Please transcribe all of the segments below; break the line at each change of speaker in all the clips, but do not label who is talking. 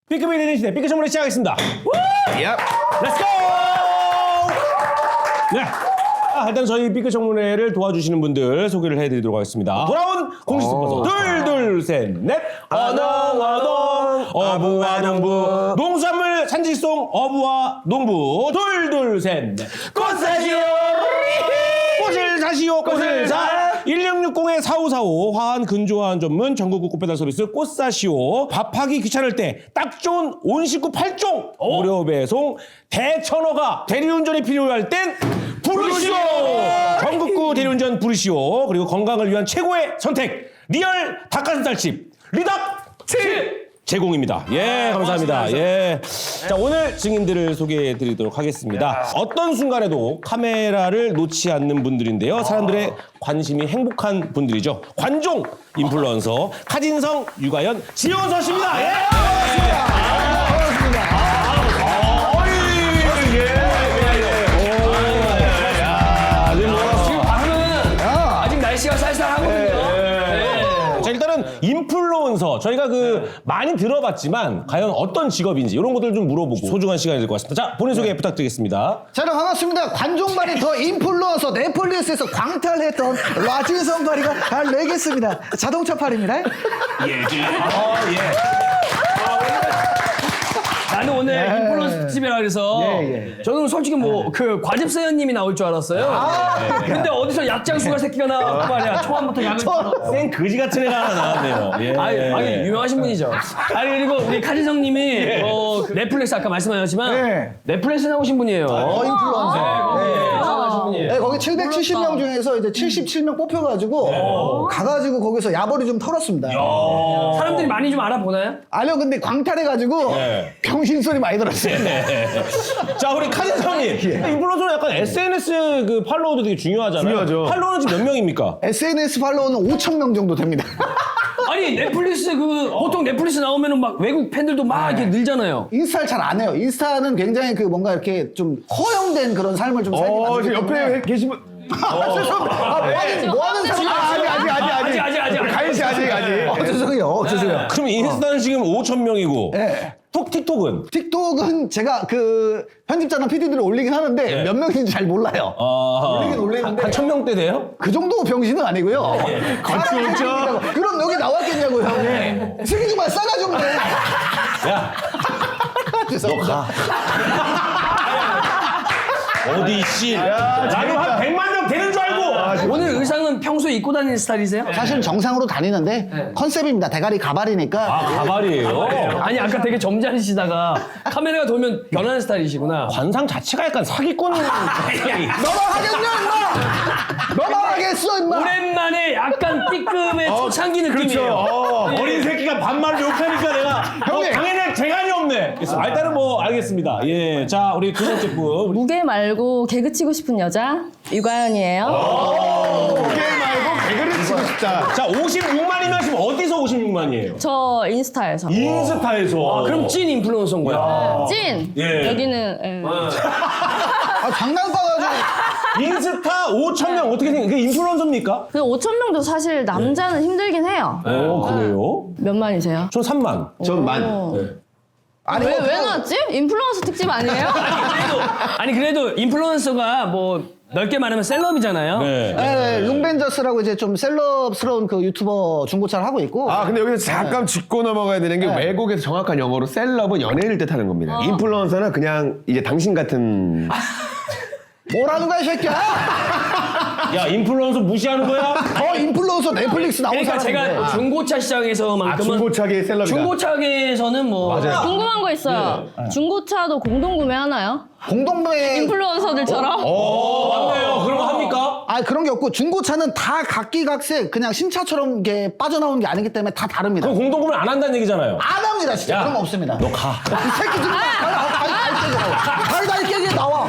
B급이 되는 시대 B급 선물을 시작하겠습니다. 렛츠고! 네. 일단 저희 B급 청문회를 도와주시는 분들 소개를 해드리도록 하겠습니다. 돌아온 공식 스폰서 둘 셋 넷 어농 어부와 농부 농수산물 산지송 어부와 농부 둘 셋 넷 꽃사시오 꽃을 사시오 꽃을 사 1660-4545 화한 근조화한 전문 전국구 꽃배달 서비스 꽃사시오 밥하기 귀찮을 때 딱 좋은 온 식구 8종 무료 배송 대천어가 대리운전이 필요할 땐 부르시오 전국구 대리운전 부르시오 그리고 건강을 위한 최고의 선택 리얼 닭가슴살집 리덕7 제공입니다. 예, 감사합니다. 예. 자, 오늘 증인들을 소개해 드리도록 하겠습니다. 어떤 순간에도 카메라를 놓지 않는 분들인데요. 사람들의 관심이 행복한 분들이죠. 관종 인플루언서 카진성, 유가연, 지원서 씨입니다. 예!
지금 밤은 아직 날씨가 쌀쌀하거든요.
자, 일단은 인플루언서 저희가 많이 들어봤지만 과연 어떤 직업인지 이런 것들 좀 물어보고 소중한 시간이 될 것 같습니다. 자, 본인 소개 부탁드리겠습니다.
자, 여러분 반갑습니다. 관종발이 더 인플루언서 넷플릭스에서 광탈했던 라진성 발이가 달래겠습니다. 자동차 팔입니다.
나는 오늘 인플루언서 특집이라 그래서 저는 솔직히 과즙사연님이 나올 줄 알았어요. 근데 어디서 약장수가 새끼가 나왔고 말이야. 초반부터 약을
생 거지 같은 애가 하나 나왔네요. 예.
아니 유명하신 분이죠. 아니 그리고 우리 카진성님이 넷플릭스 아까 말씀하셨지만 넷플릭스 나오신 분이에요.
인플루언서.
나오신 분이에요.
네, 거기 770명 중에서 이제 77명 뽑혀가지고 가가지고 거기서 야벌이 좀 털었습니다.
사람들이 많이 좀 알아보나요?
아니요, 근데 광탈해가지고 병신 소리 많이 들었어요.
자, 우리 카진성님 인플루언서는 약간 SNS 팔로워도 되게 중요하잖아요.
중요하죠.
팔로워는 지금 몇 명입니까?
SNS 팔로워는 5,000명 정도 됩니다.
아니 넷플릭스 보통 넷플릭스 나오면은 막 외국 팬들도 막 이렇게 늘잖아요.
인스타를 잘 안 해요. 인스타는 굉장히 뭔가 이렇게 좀 허용된 그런 삶을 좀 살기 만들기
지금
때문에.
옆에 계신 분.
뭐 하는 사람?
아직.
가인 씨 아직.
죄송해요.
그럼 인스타는 지금 5,000명이고
네.
틱톡은?
틱톡은 제가 편집자나 PD들을 올리긴 하는데 몇 명인지 잘 몰라요. 올리긴 올리는데
한 1,000명대 돼요?
그 정도 병신은 아니고요.
거치 없죠?
그럼 여기 나왔겠냐고요. 슬기 좀 싸가 좀 내.
야,
죄송합니다.
어디 씨? 나는 한 100만 명 되는 줄 알고.
오늘 의상은 평소에 입고 다니는 스타일이세요?
사실 정상으로 다니는데 컨셉입니다. 대가리 가발이니까.
가발이에요.
아니 아까 되게 점잖으시다가 카메라가 돌면 변하는 스타일이시구나.
관상 자체가 약간 사기꾼.
너만 하겠냐 임마! 너만 하겠어 임마!
오랜만에 약간 B급의 초창기 느낌이에요.
어린 새끼가 반말을 욕하니까 내가 당연히 재간이 없네. 일단은 알겠습니다. 예, 자 우리 두 번째 분.
무게 말고 개그 치고 싶은 여자 유가연이에요.
게임 말고 개그를 치고 싶다.
자 56만이면 지금 어디서 56만이에요?
저 인스타에서.
인스타에서.
그럼 찐 인플루언서인 거야.
찐.
예.
여기는 예.
장난감가지고
인스타 5,000명 어떻게 생각해요? 그게 인플루언서입니까?
그 5,000명도 사실 남자는 힘들긴 해요.
그래요?
몇 만이세요?
전 3만.
전 만.
아니
왜 나왔지? 인플루언서 특집 아니에요?
아니 그래도 인플루언서가 넓게 말하면 셀럽이잖아요.
네.
룽벤저스라고 이제 좀 셀럽스러운 유튜버 중고차를 하고 있고.
근데 여기서 잠깐 짚고 넘어가야 되는 게 외국에서 정확한 영어로 셀럽은 연예인을 뜻하는 겁니다. 인플루언서는 그냥 이제 당신 같은.
뭐라는 거야 이 새끼야?
야 인플루언서 무시하는 거야?
인플루언서 넷플릭스 나온
그러니까
사람인데.
제가 중고차 시장에서만큼은
중고차계 셀럽이다.
중고차계에서는
궁금한 거 있어요. 중고차도 공동구매 하나요?
공동구매
인플루언서들처럼?
맞네요. 그런 거 합니까?
그런 게 없고 중고차는 다 각기각색 그냥 신차처럼 이게 빠져나오는 게 아니기 때문에 다 다릅니다.
그럼 공동구매를 안 한다는 얘기잖아요.
안 합니다 진짜.
야,
그런 거 없습니다.
너 가.
이 새끼 좀 달달 깨게 나와.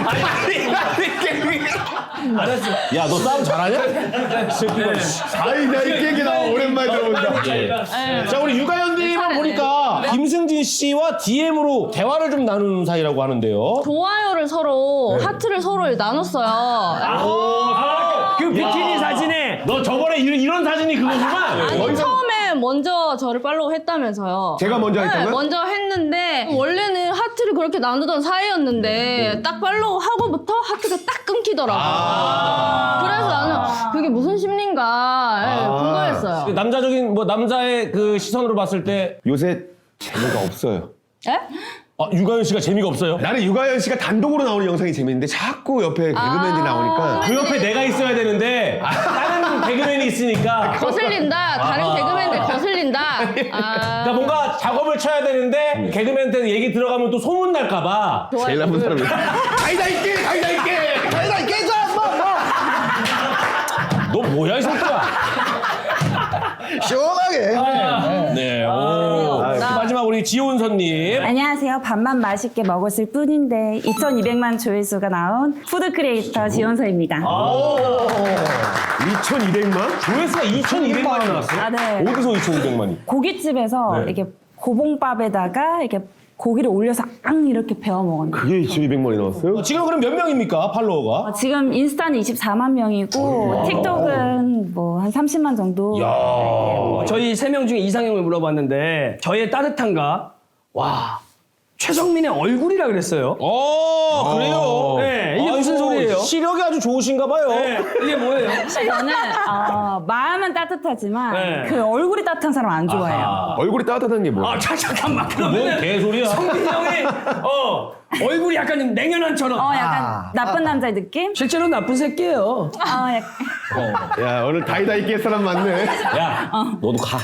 알았어.
야 너 싸움 잘하냐? 새끼가.
다이 깨기 나와 오랜만에 들어본다.
자 우리 유가연님을 보니까 김승진 씨와 DM으로 대화를 좀 나누는 사이라고 하는데요.
좋아요를 서로 하트를 서로 나눴어요.
그 비키니 사진에
너 저번에 이런 사진이 그거구만.
아니 처음에 원래는 먼저 저를 팔로우 했다면서요.
제가 먼저
네,
했다고요?
먼저 했는데 원래는 하트를 그렇게 나누던 사이였는데 딱 팔로우 하고부터 하트가 딱 끊기더라고요. 그래서 나는 그게 무슨 심리인가 궁금했어요.
남자적인 뭐 남자의 그 시선으로 봤을 때
요새 재미가 없어요.
에?
유가연 씨가 재미가 없어요.
나는 유가연 씨가 단독으로 나오는 영상이 재밌는데 자꾸 옆에 개그맨들이 나오니까
그 옆에 내가 있어야 되는데 다른 개그맨이 있으니까
거슬린다. 다른 개그맨들 거슬린다.
그러니까 뭔가 작업을 쳐야 되는데 개그맨한테 얘기 들어가면 또 소문 날까봐.
제일 나쁜 사람이 가이다 있게 가이다 있게
아니다 깨자
너 뭐야 이 새끼야.
시원하게.
네. 오. 마지막 우리 지온선님.
안녕하세요. 밥만 맛있게 먹었을 뿐인데 2,200만 조회수가 나온 푸드 크리에이터 지원서입니다.
2,200만?
조회수가 2,200만이 나왔어요?
아, 네.
어디서 2,200만이?
고깃집에서 이렇게 고봉밥에다가 이렇게 고기를 올려서 앙 이렇게 베어 먹었는데
그게 2,200만이 나왔어요?
지금 그럼 몇 명입니까 팔로워가?
지금 인스타는 24만 명이고 틱톡은 뭐 한 30만 정도.
저희 3명 중에 이상형을 물어봤는데 저의 따뜻함과 와 최성민의 얼굴이라 그랬어요.
그래요?
네, 이게 무슨
아이고,
소리예요?
시력이 아주 좋으신가 봐요.
네, 이게 뭐예요?
저는 마음은 따뜻하지만
네.
그 얼굴이 따뜻한 사람 안 좋아해요.
얼굴이 따뜻한 게 뭐야?
잠깐만
뭔
그러면
개소리야.
성민 형이 얼굴이 약간 좀 냉연한처럼
약간 나쁜 남자의 느낌?
실제로 나쁜 새끼예요.
약간.
야 오늘 다이다 있게 할 사람 많네.
야, 너도 가.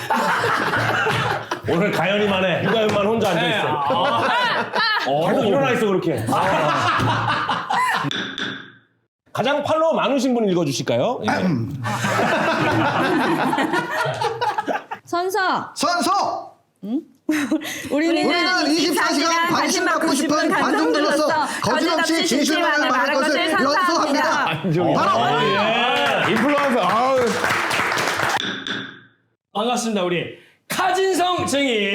오늘 가연이만 해. 유가연만 혼자 앉아있어. 계속 일어나 있어, 그렇게. 가장 팔로워 많으신 분 읽어주실까요? 예.
선서,
선서.
우리는
24시간 관심 받고 싶은 관종들로서 거짓없이 진실만을 말할 것을 연소합니다. 바로
예. 인플루언서. 아우.
반갑습니다 우리 카진성 증인.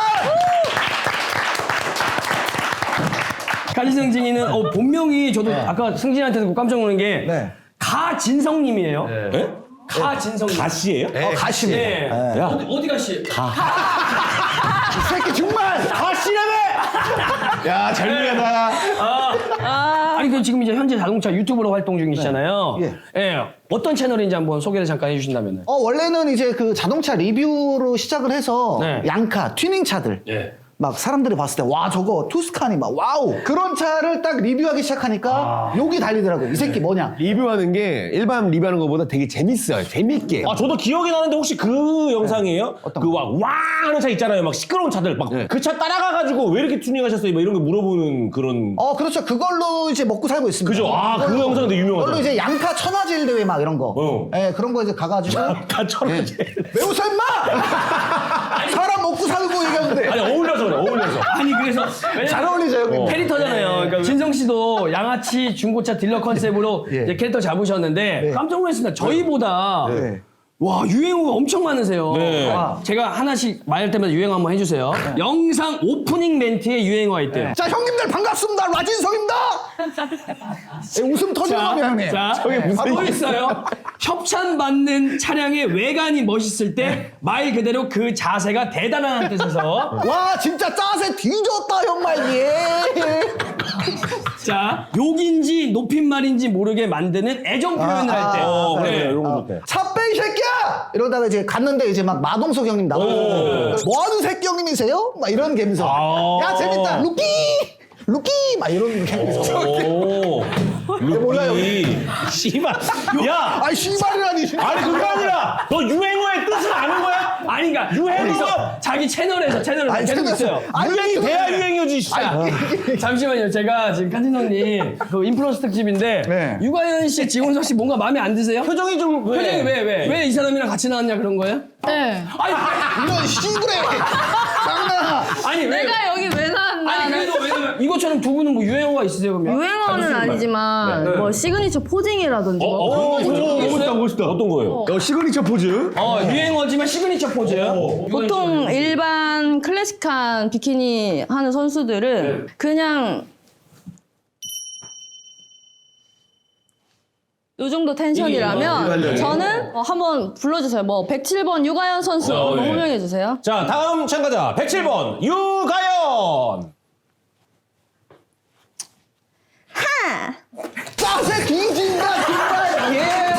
카진성 증인은 본명이 저도 아까 승진한테 듣고 깜짝 놀란 게
네.
가진성님이에요.
예?
가진성님.
가시예요?
가십니다.
네.
야.
어디 가시?
이 새끼 정말
가시라며!
야 절묘하다.
아니 그 지금 이제 현재 자동차 유튜브로 활동 중이시잖아요.
네.
예. 어떤 채널인지 한번 소개를 잠깐 해주신다면은.
원래는 이제 그 자동차 리뷰로 시작을 해서
네.
양카, 튜닝 차들.
예.
막 사람들이 봤을 때 와 저거 투스카니 막 와우 그런 차를 딱 리뷰하기 시작하니까 욕이 달리더라고요. 이 새끼 뭐냐.
리뷰하는 게 일반 리뷰하는 것보다 되게 재밌어요. 재밌게.
저도 기억이 나는데 혹시 그 영상이에요?
어떤
그 와 하는 차 있잖아요. 막 시끄러운 차들. 막 그 차 따라가가지고 왜 이렇게 튜닝하셨어요? 막 이런 거 물어보는 그런.
그렇죠. 그걸로 이제 먹고 살고 있습니다.
그죠? 그 영상 근데 유명하죠.
그걸로 이제 양카 천하제일 대회 막 이런 거. 예, 그런 거 이제 가가지고
다 천하제.
왜 웃어 임마! 사람 먹고 살고 얘기하는데.
아니, 어울려서 그래, 어울려서.
아니 그래서
잘 어울리죠 형님.
캐릭터잖아요. 그러니까 진성 씨도 양아치 중고차 딜러 컨셉으로
예.
이제 캐릭터 잡으셨는데
네.
깜짝 놀랐습니다. 저희보다
네.
와 유행어가 엄청 많으세요.
네.
제가 하나씩 말할 때마다 유행어 한번 해주세요. 영상 오프닝 멘트에 유행어가 있대요.
자 형님들 반갑습니다. 라진성입니다. 웃음 터지는 겁니다 형님.
자, 또 있어요. 협찬받는 차량의 외관이 멋있을 때 말 그대로 그 자세가 대단한 뜻에서
와 진짜 짜세 뒤졌다 정말 예.
자 욕인지 높임말인지 모르게 만드는 애정 표현을 할 때.
그래,
네.
이런 거 좋대.
차 빼 이 새끼야! 이러다가 이제 갔는데 이제 막 마동석 형님 나오고 뭐하는 새끼 형님이세요? 막 이런 감성. 야 재밌다 루키! 루키! 막 이런 감성.
오.
몰라요.
루키. 씨발. 야!
아이 씨발이라니.
아니, 그게 아니라, 너 유행어의 뜻을 아는 거야?
아니 그러니까
유행어가
자기 채널에서
아니,
계속
채널에서.
있어요.
아니,
유행이
유튜브에.
돼야 유행이지, 진짜.
잠시만요. 제가 지금 칸진성님 그 인플루언서 특집인데
네.
유가연 씨, 지원석 씨 뭔가 마음에 안 드세요?
표정이 좀.
표정이 왜 이 사람이랑 같이 나왔냐 그런 거예요?
네.
아니
이런 씨부레. 장난아.
아니 왜?
내가 여기 왜 나왔나?
아니 그래도 왜냐면 이것처럼 두 분은 뭐 유행어가 있으세요 그러면?
유행어는 아니지만 뭐 시그니처 포징이라든지 뭐 그런 거
멋있다, 멋있다. 어떤 거예요?
시그니처 포즈.
유행어지만 시그니처 포즈.
보통 일반 클래식한 비키니 하는 선수들은 그냥 요 정도 텐션이라면 저는 한번 불러주세요. 뭐 107번 유가연 선수 한번
네.
호명해 주세요.
자, 다음 참가자 107번 유가연.
짜세 뒤진다 정말. 예.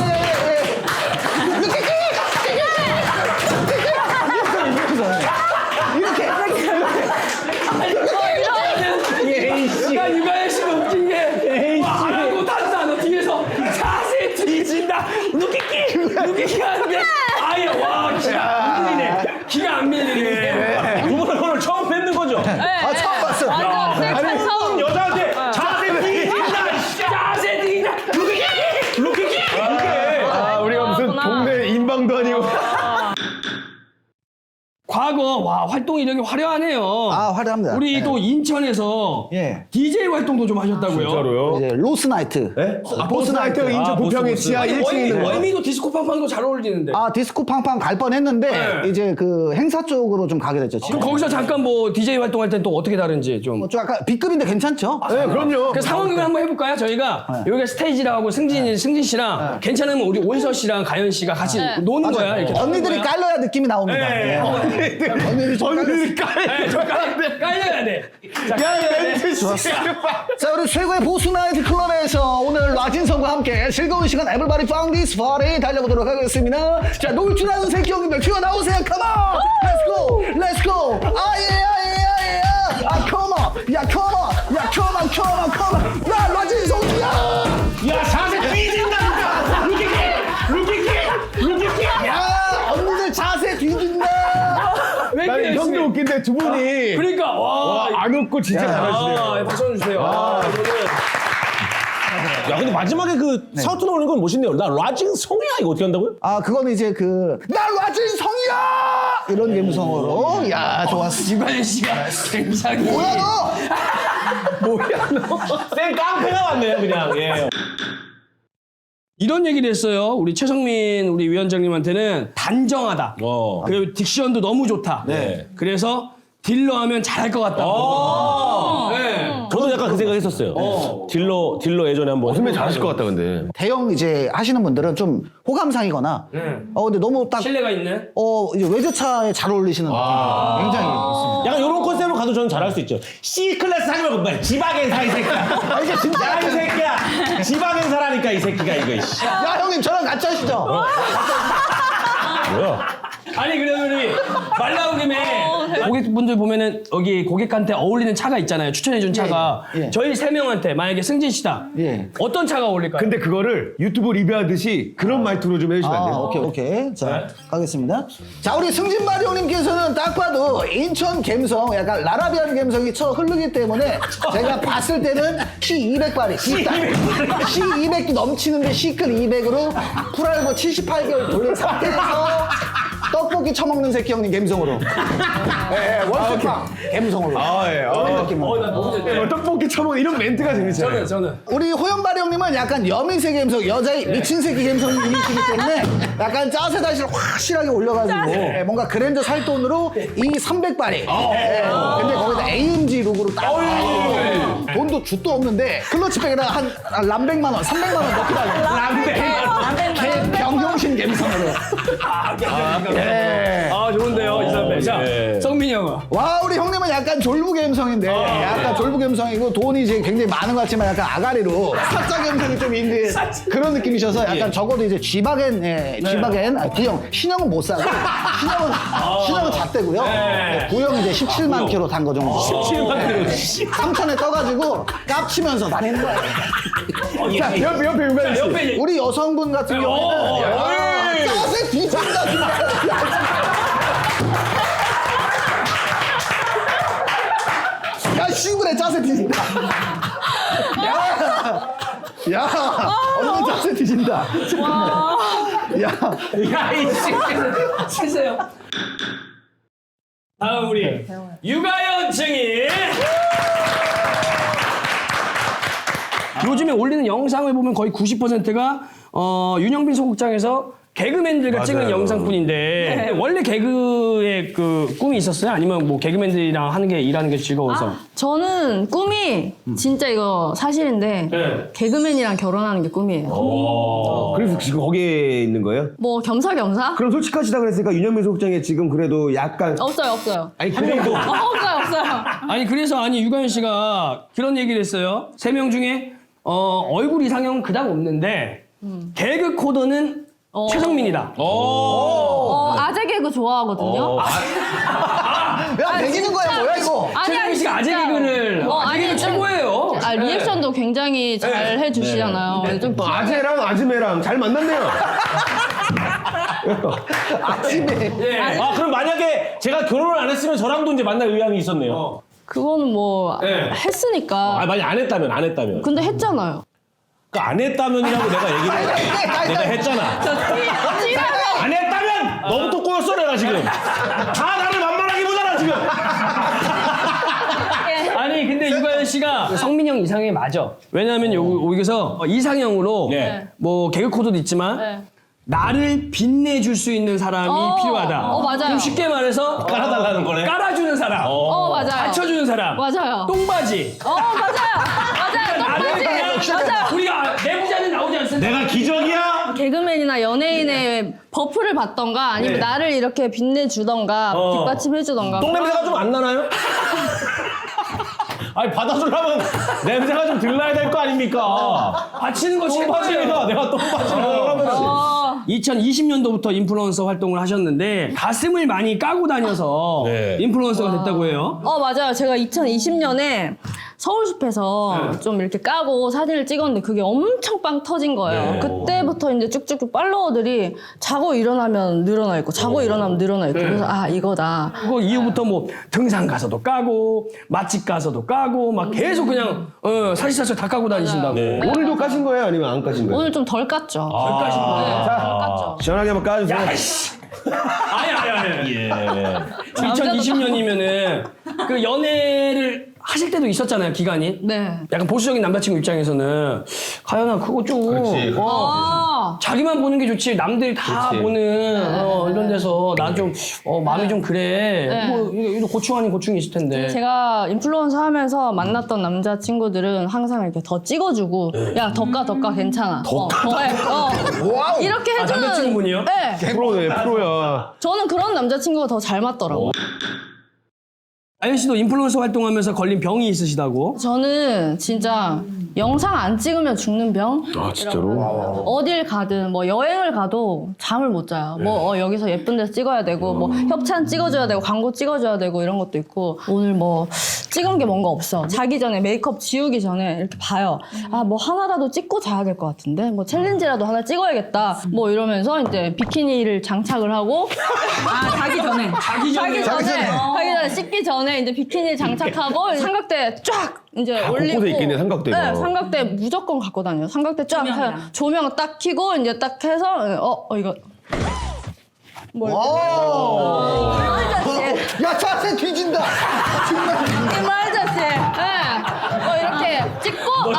야 유가연 씨가 웃긴 게 말하고 다른 단어 뒤에서 자세 뒤진다 루키키가 하는데 아예 와 기가 안 밀리네. 기가 안 밀리네.
두 분은 오늘 처음 뵙는 거죠?
아 처음 봤어.
완전 셀카 처음.
여자한테 자세 뒤진다.
자세 뒤진다
루키키 이게.
아, 우리가 무슨 동네 인방도 아니고.
과거 와 활동 이력이 화려하네요.
아 화려합니다.
우리
네.
또 인천에서
예.
DJ 활동도 좀 하셨다고요.
진짜로요?
이제 로스나이트.
네? 보스나이트 인천 부평의 지하 1층에 있는 거.
월미도 디스코 팡팡도 잘 어울리는데.
아 디스코 팡팡 갈 뻔했는데
네.
이제 그 행사 쪽으로 좀 가게 됐죠.
그럼 거기서 잠깐 뭐 DJ 활동할 땐 또 어떻게 다른지 좀.
좀 약간 B급인데 괜찮죠?
네, 그럼요.
그 상황극을 한번 해볼까요? 저희가 여기가 스테이지라고 승진 씨랑 괜찮으면 우리 온서 씨랑 가연 씨가 같이 노는 거야. 이렇게
언니들이
노는 거야.
깔려야 느낌이 나옵니다.
네.
예. 언니들이 좀 깔렸어요.
네, 저 깔려야 돼. 자, 깔려야 돼.
자 우리 최고의 보수나이트 클럽에서 오늘 라진성과 함께 즐거운 시간 Everybody Found This Party 달려보도록 하겠습니다. 자 놀 줄 아는 새끼 형님들 튀어나오세요. Come on, let's go, let's go. 아예아예아예. 아 come on, 야 come on, 야 come on, come on, come on. 야 라진성이야.
야 자세 뒤진다니까. 루키키.
야 언니들 자세 뒤진다.
왜
난
이렇게
형도
열심히.
웃긴데 두 분이
그러니까 와.
안 웃고 진짜 잘하시네요.
박수 한번 주세요.
야 근데 마지막에 그 사우트 나오는 건 멋있네요. 나 라징 성이야 이거 어떻게 한다고요?
아 그거는 이제 나 라진성이야 이런 감성으로. 야 좋았어.
유가연 씨가 굉장히.
뭐야 너?
생 깡패가 왔네요 그냥. 예.
이런 얘기를 했어요. 우리 최성민 우리 위원장님한테는 단정하다. 그리고 딕션도 너무 좋다.
네.
그래서 딜러 하면 잘할 것 같다. 네.
저도 약간 그 생각했었어요. 딜러 예전에 한번.
선배 잘하실 것 같다 근데.
대형 이제 하시는 분들은 좀 호감상이거나 근데 너무 딱
신뢰가 있는.
이제 외제차에 잘 어울리시는 느낌이 굉장히 있습니다.
약간 이런 컨셉으로 가도 저는 잘할 수 있죠. C 클래스 하지 말고 빨리 지방행 사이 새끼야.
이제 진짜
야 이 새끼야. 지방행 사라니까 이 새끼가 이거. 이씨.
야 형님 저랑 같이 하시죠.
뭐야?
아니 그러면 우리 말 나온 김에 고객분들 보면은 여기 고객한테 어울리는 차가 있잖아요. 추천해준 차가
예.
저희 세 명한테 만약에 승진 씨다.
예.
어떤 차가 어울릴까요?
근데 그거를 유튜브 리뷰하듯이 그런 말투로 좀 해주시면 안 돼요?
오케이. 자, 가겠습니다. 자, 우리 승진바리 형님께서는 딱 봐도 인천 감성, 약간 라라비안 감성이 쳐 흐르기 때문에 제가 봤을 때는 C200바리, C200이 넘치는데 C클 200으로 풀알고 78개월 돌린 상태에서 떡볶이 처먹는 새끼 형님 감성으로. 원스팡 감성으로. 그런 느낌으로.
떡볶이 처먹 이런 멘트가 재밌잖아요.
저는
우리 호연바리 형님은 약간 여미새 감성, 여자의 미친 새끼 감성이시기 때문에 약간 짜세 다시를 확실하게 올려가지고 뭔가 그랜저 살 돈으로 이 300바리. 근데 거기다 AMG 룩으로 딱. 돈도 jut도 없는데 클러치백에다가 한 람백만 원, 300만 원 넣고 달래. 병영신 감성으로.
아 좋은데요 이 선배. 자 성민이 형은.
와 우리 형님은 약간 졸부 감성인데 약간 졸부 감성이고 돈이 이제 굉장히 많은 것 같지만 약간 아가리로 사짜 감성이 좀 있는 그런 느낌이셔서 약간 적어도 이제 G바겐 D형 신형은 못 사고 신형은 잣대고요. 구형 이제 17만 킬로 탄 거 정도.
17만 킬로.
3천에 떠가지고 깝치면서 다니는 거예요.
자, 옆에 유관 씨.
옆에
우리 여성분 같은 경우에는 짜세 뒤진다 진짜. 야 시골에 짜세 뒤진다. 야 언니 짜세 뒤진다.
야 이씨 치세요. 다음 우리 유가연 증인. 요즘에 올리는 영상을 보면 거의 90%가 윤영빈 소극장에서 개그맨들과 찍는 영상뿐인데 원래 개그의 그 꿈이 있었어요? 아니면 뭐 개그맨들이랑 하는 게 일하는 게 즐거워서?
저는 꿈이 진짜 이거 사실인데
네.
개그맨이랑 결혼하는 게 꿈이에요.
그래서 지금 거기에 있는 거예요?
뭐 겸사겸사?
그럼 솔직하시다 그랬으니까 윤현민 소극장에 지금 그래도 약간
없어요.
아니 그 정도
없어요.
아니 그래서 아니 유가연 씨가 그런 얘기를 했어요. 3명 중에 얼굴 이상형은 그닥 없는데 개그 코드는 최성민이다.
아재 개그 좋아하거든요.
야 매기는 거야 뭐야 이거?
최성민 씨가 아재
진짜요.
개그를 아재 개그 최고예요.
리액션도 굉장히 잘 해주시잖아요. 좀
아재랑 아즈메랑 잘 만났네요.
아 그럼 만약에 제가 결혼을 안 했으면 저랑도 이제 만날 의향이 있었네요.
그거는 뭐
네.
했으니까.
아 만약 안 했다면.
근데 했잖아요.
그러니까 안 했다면이라고 내가 얘기를 내가 했잖아. 안 했다면 너부터 꼬였어 내가 지금. 다 나를 만만하게 보잖아 지금.
아니 근데 유가연 씨가 성민 형 이상형이 맞아. 왜냐하면 여기서 이상형으로
네.
뭐 개그 코드도 있지만
네.
나를 빛내줄 수 있는 사람이 필요하다.
맞아요.
그럼 쉽게 말해서
깔아달라는 거네.
깔아주는 사람,
맞아요.
받쳐주는 사람,
맞아요.
똥바지.
맞아요.
나를 그냥
맞아요.
우리가 내부자는 나오지 않습니까?
내가 기적이야?
개그맨이나 연예인의 버프를 받던가 아니면
네.
나를 이렇게 빛내주던가 뒷받침해주던가.
똥냄새가 좀 안 나나요? 아니 받아주려면 냄새가 좀 들러야 될 거 아닙니까?
받치는 거
똥바지가 내가 똥바지를 하면
2020년도부터 인플루언서 활동을 하셨는데 가슴을 많이 까고 다녀서
네.
인플루언서가 됐다고 해요.
맞아요. 제가 2020년에 서울숲에서 좀 이렇게 까고 사진을 찍었는데 그게 엄청 빵 터진 거예요. 그때부터 이제 쭉쭉 팔로워들이 자고 일어나면 늘어나 있고 자고 일어나면 늘어나 있고 그래서 이거다.
그거 이후부터 뭐 등산 가서도 까고 맛집 가서도 까고 막 계속 그냥 사실사실 다 까고 다니신다고.
네.
오늘도 까신 거예요? 아니면 안 까신 거예요?
오늘 좀 덜 깠죠.
덜 까신 거예요.
네, 덜 깠죠.
시원하게 한번 까주세요.
아니.
예.
2020년이면은 그 연애를 하실 때도 있었잖아요, 기간이.
네.
약간 보수적인 남자친구 입장에서는 가연아 그거 좀
그렇지.
자기만 보는 게 좋지 남들이 다
그렇지.
보는 이런 데서 나 좀 마음이 좀 그래.
네.
뭐 이거 고충 아닌 고충이 있을 텐데.
제가 인플루언서 하면서 만났던 남자친구들은 항상 이렇게 더 찍어주고 야 더 까 괜찮아. 더
와우.
이렇게 해주는
남자친구분이요?
네.
프로네 프로야.
저는 그런 남자친구가 더 잘 맞더라고요.
아연 씨도 인플루언서 활동하면서 걸린 병이 있으시다고?
저는 진짜 영상 안 찍으면 죽는 병?
아 진짜로?
어딜 가든 뭐 여행을 가도 잠을 못 자요. 뭐 여기서 예쁜 데서 찍어야 되고 뭐 협찬 찍어줘야 되고 광고 찍어줘야 되고 이런 것도 있고 오늘 뭐 찍은 게 뭔가 없어. 자기 전에 메이크업 지우기 전에 이렇게 봐요. 뭐 하나라도 찍고 자야 될 것 같은데 뭐 챌린지라도 하나 찍어야겠다. 뭐 이러면서 이제 비키니를 장착을 하고 자기 전에 씻기 전에 이제 비키니 장착하고 삼각대 쫙 이제 올리고
곳곳에 있겠네, 삼각대가.
네, 삼각대 무조건 갖고 다녀요. 삼각대 쫙 해요. 조명 딱 켜고 이제 딱 해서 이거
야 자세 뒤진다.
이말저씨 이렇게 찍고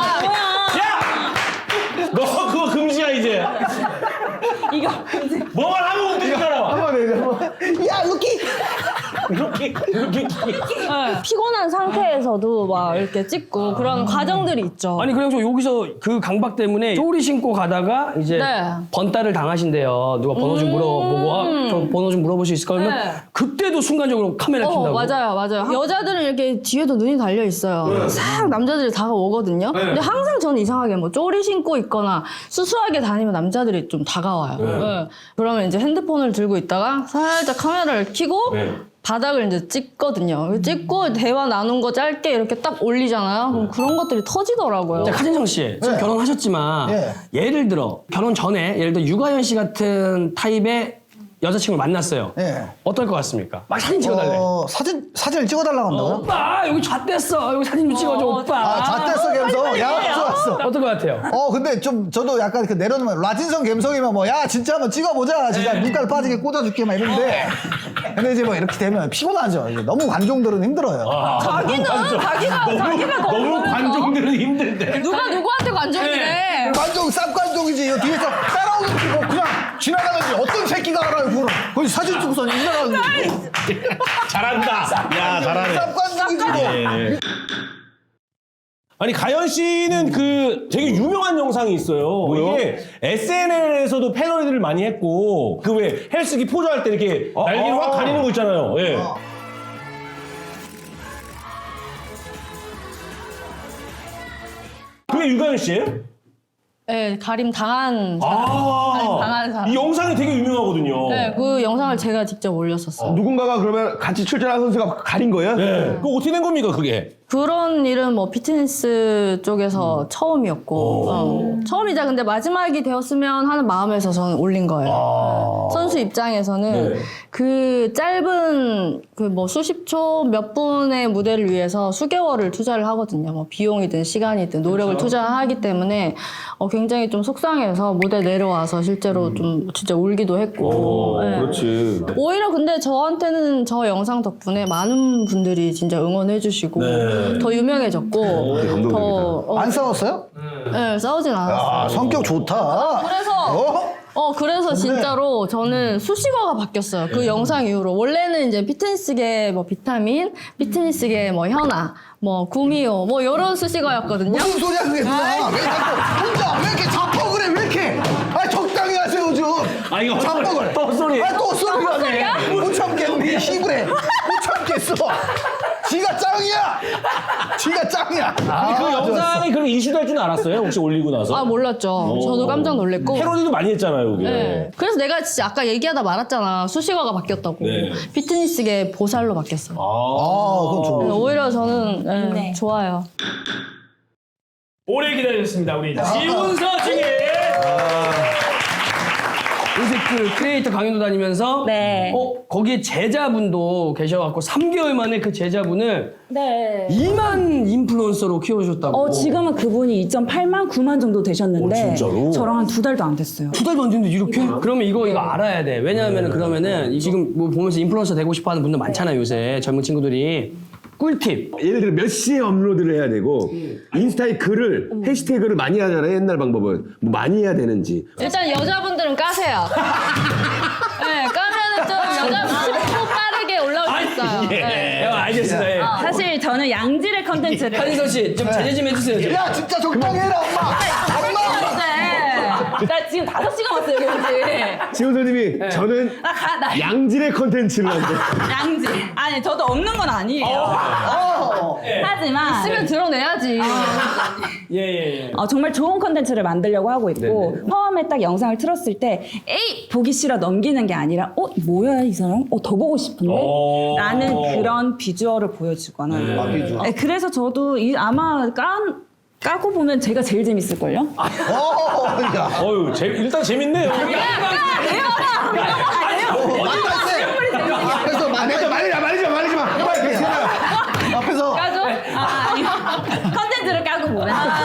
너 그거 금지야 이제.
이거
뭐만 하면 웃기잖아.
야 루키.
이렇게
피곤한 상태에서도 막 이렇게 찍고 그런 과정들이 있죠.
아니 그래서 여기서 그 강박 때문에 쪼리 신고 가다가 이제
네.
번따를 당하신대요. 누가 번호 좀 물어보고 저 번호 좀 물어볼 수 있을까 하면
네.
그때도 순간적으로 카메라 킨다고.
맞아요. 여자들은 이렇게 뒤에도 눈이 달려 있어요. 싹 남자들이 다가오거든요. 근데 항상 저는 이상하게 뭐 쪼리 신고 있거나 수수하게 다니면 남자들이 좀 다가와요. 네. 그러면 이제 핸드폰을 들고 있다가 살짝 카메라를 켜고 바닥을 이제 찍거든요. 찍고 대화 나눈 거 짧게 이렇게 딱 올리잖아요. 그럼 그런 것들이 터지더라고요.
자, 카진성 씨 지금 결혼하셨지만 예를 들어 결혼 전에 예를 들어 유가연 씨 같은 타입의 여자친구를 만났어요. 어떨 것 같습니까? 막 사진 찍어달래.
사진을 찍어달라고 한다고요?
오빠 여기 잣됐어. 여기 사진 좀 찍어줘 오빠.
잣됐어 감성. 야 좋았어.
어떨 것 같아요?
근데 좀 저도 약간 그 내려놓으면 라틴성 감성이면 뭐 야 진짜 한번 찍어보자 진짜 눈깔 빠지게 꽂아줄게 막 이러는데 근데 이제 뭐 이렇게 되면 피곤하죠. 이게 너무 관종들은 힘들어요.
자기가 더
너무 관종들은 힘든데.
누가 누구한테 관종이래.
관종 쌉관종이지. 이거 뒤에서 따라오는 거 그냥 지나가는지 어떤 새끼가 알아요 그걸. 거기 사진 찍고서 지나가는지.
잘한다. 야, 잘하네.
쌉관적이지.
아니 가연 씨는 그 되게 유명한 영상이 있어요. 이게 SNL에서도 패러디를 많이 했고 그 왜 헬스기 포즈할 때 이렇게 날개를 확 가리는 거 있잖아요. 예. 그게 유가연 씨예요?
네, 가림 당한 사람. 가림 당한 사람.
이 영상이 되게 유명하거든요.
네, 그 영상을 제가 직접 올렸었어요.
누군가가 그러면 같이 출전한 선수가 가린 거예요?
네. 그거 어떻게 된 겁니까 그게?
그런 일은 뭐 피트니스 쪽에서 처음이었고 처음이자 근데 마지막이 되었으면 하는 마음에서 저는 올린 거예요. 선수 입장에서는 그 짧은 그 뭐 수십 초 몇 분의 무대를 위해서 수개월을 투자를 하거든요. 뭐 비용이든 시간이든 노력을 투자하기 때문에 굉장히 좀 속상해서 무대 내려와서 실제로 좀 진짜 울기도 했고. 네.
그렇지.
오히려 근데 저한테는 저 영상 덕분에 많은 분들이 진짜 응원해주시고 더 유명해졌고 더
안 싸웠어요?
네, 싸우진 않았어요.
아 성격 좋다.
그래서 진짜로 저는 수식어가 바뀌었어요. 그 영상 이후로. 원래는 이제 피트니스계 뭐 비타민, 피트니스계 뭐 현아, 뭐 구미호, 뭐 이런 수식어였거든요.
무슨 소리야 그게 누나? 왜 자꾸 혼자 왜 이렇게 자뻑 그래 왜 이렇게? 아 적당히 하세요 좀.
아 이거
자뻑을.
또 소리.
아또 소리가 못 참겠네. 시부래. 못 참겠어. 지가 짱이야. 지가 짱이야.
그 영상이 그렇게 이슈될 줄 알았어요? 혹시 올리고 나서?
아 몰랐죠. 저도 깜짝 놀랐고.
패러디도 많이 했잖아요, 그게.
네. 그래서 내가 진짜 아까 얘기하다 말았잖아. 수식어가 바뀌었다고.
네.
피트니스계 보살로 바뀌었어요.
그건 좋네.
오히려 저는 좋아요.
오래 기다렸습니다 우리 지훈서 중에 요새 그 크리에이터 강연도 다니면서
네.
거기에 제자분도 계셔갖고 3개월 만에 그 제자분을
네.
2만 인플루언서로 키워주셨다고.
지금은 그분이 2.8만, 9만 정도 되셨는데
진짜로?
저랑 한 2달도 안 됐어요.
2달도 안 됐는데 이렇게? 그러면 이거 알아야 돼. 왜냐하면 그러면은 지금 뭐 보면서 인플루언서 되고 싶어하는 분들 많잖아요 요새 젊은 친구들이. 꿀팁.
예를 들어 몇 시에 업로드를 해야 되고 인스타에 글을 해시태그를 많이 하잖아요. 옛날 방법은 뭐 많이 해야 되는지.
일단 여자분들은 까세요. 네, 까면은 좀 여자분 10초 빠르게 올라올 수 있어요. 네.
알겠습니다. 예.
사실 저는 양질의 컨텐츠를
한인서 씨 좀 제재 좀 해주세요. 좀.
야 진짜 적당히 해라 엄마. 엄마.
나 지금 5시간 왔어요, 여기.
지훈 선생님이 저는
나
양질의 컨텐츠를 한대.
양질. 아니, 저도 없는 건 아니에요. 하지만
있으면 드러내야지.
예.
정말 좋은 컨텐츠를 만들려고 하고 있고 처음에 딱 영상을 틀었을 때 에이 보기 싫어 넘기는 게 아니라 뭐야 이 사람? 더 보고 싶은데? 라는 그런 비주얼을 보여주거나
비주얼?
네, 그래서 저도 아마 까고 보면 제가 제일 재밌을걸요?
야.
일단 재밌네요.
앞에서
말리지 마.
앞에서.
까죠? 아니 컨텐츠를 까고 보면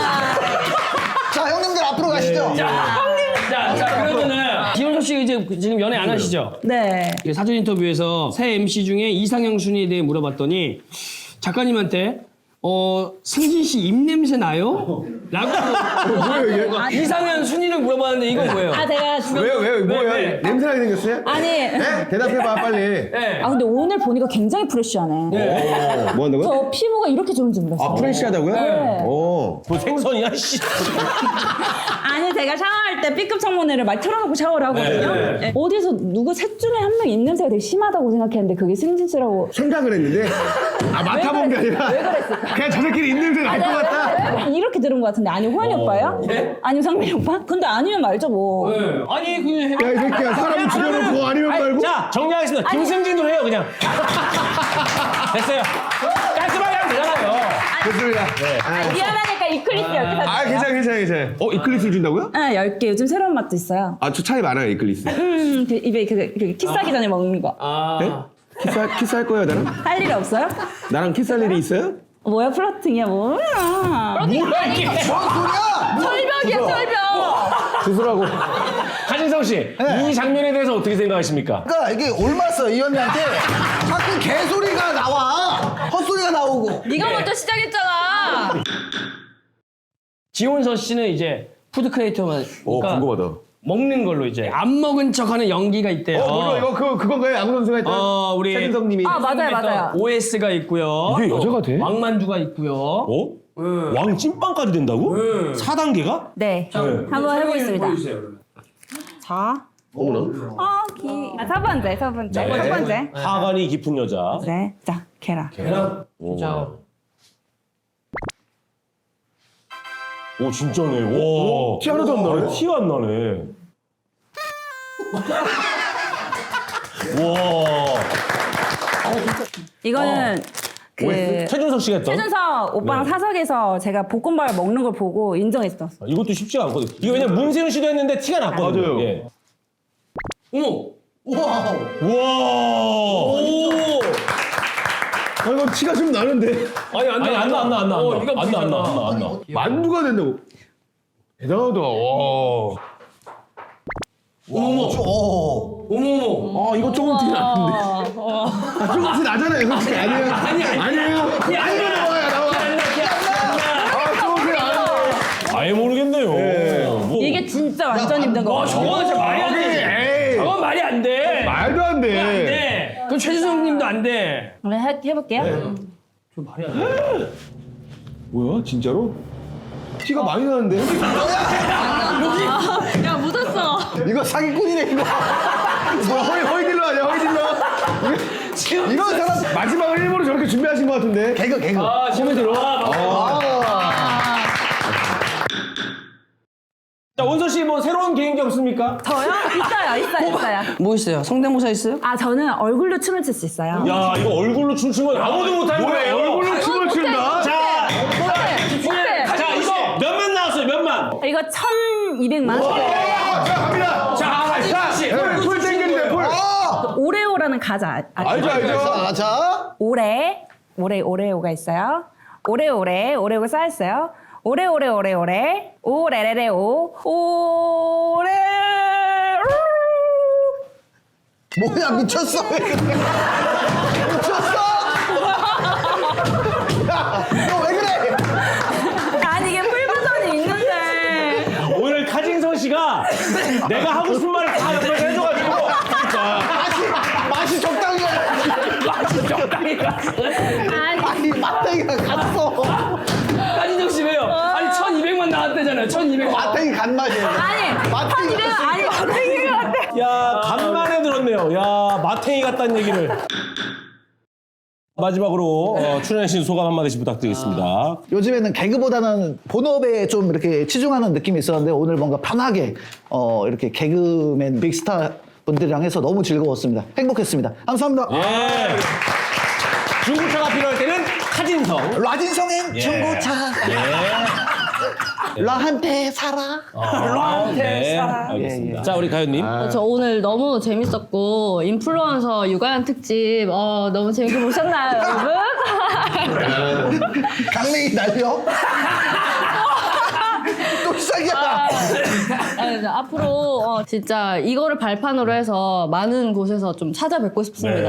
자 형님들 앞으로 가시죠.
자 그러면은 지훈서 씨 이제 지금 연애 안 하시죠?
네.
사전 인터뷰에서 새 MC 중에 이상형 순위에 대해 물어봤더니 작가님한테 승진 씨 입냄새 나요? 라고 이상형 순위를 물어봤는데 이건 뭐예요?
제가 지금
뭐야?
네.
냄새나게 생겼어요?
아니
네? 대답해봐 빨리.
네.
근데 오늘 보니까 굉장히 프레쉬하네.
뭐 한다고요?
저 피부가 이렇게 좋은 줄 몰랐어요.
프레시하다고요?
네.
오.
뭐 생선이야, 씨.
아니 제가 샤워할 때 B급 청문회를 막 틀어놓고 샤워를 하거든요. 네. 어디서 누구 셋 중에 한 명 입냄새가 되게 심하다고 생각했는데 그게 승진 씨라고.
생각을 했는데 맡아본 게 아니라
왜 그랬을까?
그냥 저새끼리 입냄새 날 것 같다.
이렇게 들은 것 같은데 아니 호연이 오빠예요? 아니면 상민이 오빠? 근데 아니면 말죠 뭐.
아니 그냥
야 이 새끼야 사람을 죽여놓고 아니면 말고.
자, 정리하겠습니다. 김승진으로 해요, 그냥. 됐어요. 깔끔하게 하면 되잖아요.
됐습니다.
미안하니까 이클리스 10개 샀어요.
괜찮아. 이클리스를 준다고요?
네, 10개. 요즘 새로운 맛도 있어요.
저 차이 많아요 이클리스.
그 입에 그 키스하기 전에 먹는 거.
네? 키스할 거예요 나랑?
할 일이 없어요?
나랑 키스할 일이 있어요?
뭐야 플러팅이야 뭐야.
뭔 소리야?
철벽이야, 철벽.
주술하고.
한인성 씨, 이 장면에 대해서 어떻게 생각하십니까?
그러니까 이게 올맞어 이 언니한테 자꾸 개소리가 나와. 헛소리가 나오고.
네가 먼저 시작했잖아.
지훈서 씨는 이제 푸드 크리에이터만.
궁금하다.
먹는 걸로 이제 안 먹은 척하는 연기가 있대요.
뭐야 이거 그건가요? 야구 선수가 했던
우리
최준성님이.
아, 맞아요.
OS가 있고요.
이게 여자가 돼?
왕만두가 있고요.
어? 왕 찐빵까지 된다고? 4단계가?
네. 한번 해보겠습니다.
보여주세요, 그러면.
자. 첫 번째. 첫 번째.
하관이 깊은 여자.
네. 자, 계란.
진짜.
오 진짜네. 와.
티 하나도 안 나네.
티가 안 나네. 와.
이거는 그
최준석 씨가 했던.
최준석 오빠랑
네.
사석에서 제가 볶음밥을 먹는 걸 보고 인정했어.
이것도 쉽지가 않거든. 이거 왜냐면 문세윤 씨도 했는데 티가 났거든요.
맞아요.
예.
어머.
와.
아 이거 티가 좀 나는데.
아니 안 나.
안 나.
이거
안 나.
만두가 된다고. 대단하다. 와.
어머머.
아 이거 조금 티 나는데. 조금 티 나잖아요. 이거 티 아니에요? 아니에요. 나와요. 아 조금 티 나요.
아예 모르겠네요. 뭐.
이게 진짜 완전 힘든 거.
저거는 진짜 말이 안 돼.
에이.
저건 말이 안 돼.
말도 안
안
돼.
돼. 그럼 최준성님도 안 돼.
그럼 해볼게요.
저 말이 안 돼.
뭐야 진짜로? 티가 많이 나는데?
야 묻었어.
이거 사기꾼이네 이거.
뭐야 허이딜러 아니야 허이딜러? 이런 사람 마지막을 일부러 저렇게 준비하신 것 같은데.
개그.
아, 지금 들어와.
자 원서 씨 뭐 새로운 개인기 없습니까?
저요? 있어요.
뭐 있어요? 성대모사 있어요?
아, 저는 얼굴로 춤을 출 수 있어요.
야 이거 얼굴로 춤춘 건 아무도 못하는 거예요.
얼굴로 춤을 춘다?
자,
어때?
자 이거 몇만 나왔어요? 몇만?
이거 1,200만.
자 갑니다. 풀 땡겼는데 풀.
오레오라는 과자
알죠.
자.
오레오가 있어요. 오레오가 쌓였어요. 오레레레오 오레.
뭐야 미쳤어. 미쳤어. 너 왜 그래?
아니 이게 풀 버전이 있는데.
오늘 카진성 씨가 내가 하고 싶은 말을 다 옆에서 해줘가지고
맛이 적당히.
아니
맛탱이가 갔어.
까진정 씨 왜요? 아니 1,200만 나왔대잖아요. 1,200만.
맛탱이 간 맛이에요.
아니
맛탱이
1,200만 아니 마탱이 같아.
야 간만에 들었네요. 야 마탱이 같다는 얘기를. 마지막으로 출연하신 소감 한마디씩 부탁드리겠습니다.
요즘에는 개그보다는 본업에 좀 이렇게 치중하는 느낌이 있었는데 오늘 뭔가 편하게 이렇게 개그맨 빅스타 분들이랑 해서 너무 즐거웠습니다. 행복했습니다. 감사합니다.
예. 중고차가 필요할 때는 카진성.
라진성행 중고차. 라한테 살아.
네, 알겠습니다. 자 우리 가연님.
저 오늘 너무 재밌었고 인플루언서 육아연 특집 너무 재밌게 보셨나요, 여러분?
강냉이 날려. 또 시작이야.
아니, 앞으로 진짜 이거를 발판으로 해서 많은 곳에서 좀 찾아뵙고 싶습니다.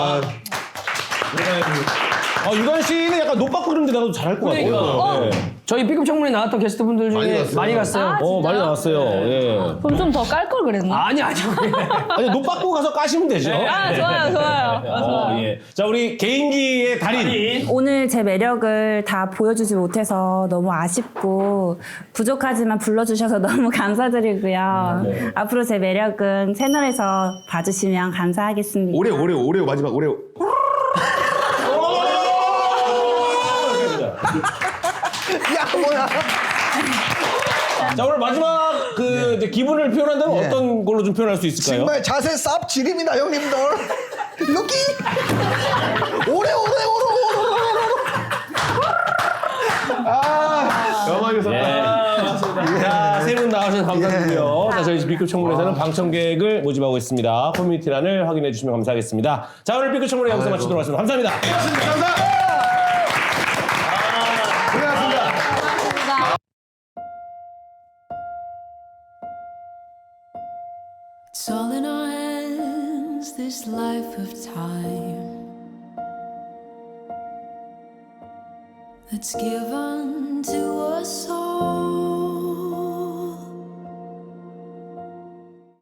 유관 씨는 약간 노빠꾸 그런데 나도 잘할 것 같아요. 네.
저희 B급 청문회 나왔던 게스트분들 중에 많이 갔어요.
많이 나왔어요. 예.
그럼 좀 더 깔 걸 그랬나?
아니.
아니 노빠꾸 가서 까시면 되죠.
아, 좋아요.
예. 자 우리 개인기의 달인.
오늘 제 매력을 다 보여주지 못해서 너무 아쉽고 부족하지만 불러주셔서 너무 감사드리고요. 앞으로 제 매력은 채널에서 봐주시면 감사하겠습니다.
오레오 마지막 오레오.
야 뭐야.
자 오늘 마지막 이제 기분을 표현한다면 어떤 걸로 좀 표현할 수 있을까요?
정말 자세 쌉 지립니다 형님들. 여기 오래.
영화에서
자, 세 분 나와주셔서 감사드리고요. 자, 저희 B급 청문회에서는 방청객을 모집하고 있습니다. 커뮤니티란을 확인해 주시면 감사하겠습니다. 자, 오늘 B급 청문회 여기서 마치도록 하겠습니다. 감사합니다.
감사합니다.
It's all in our hands, this life of time that's given to us all.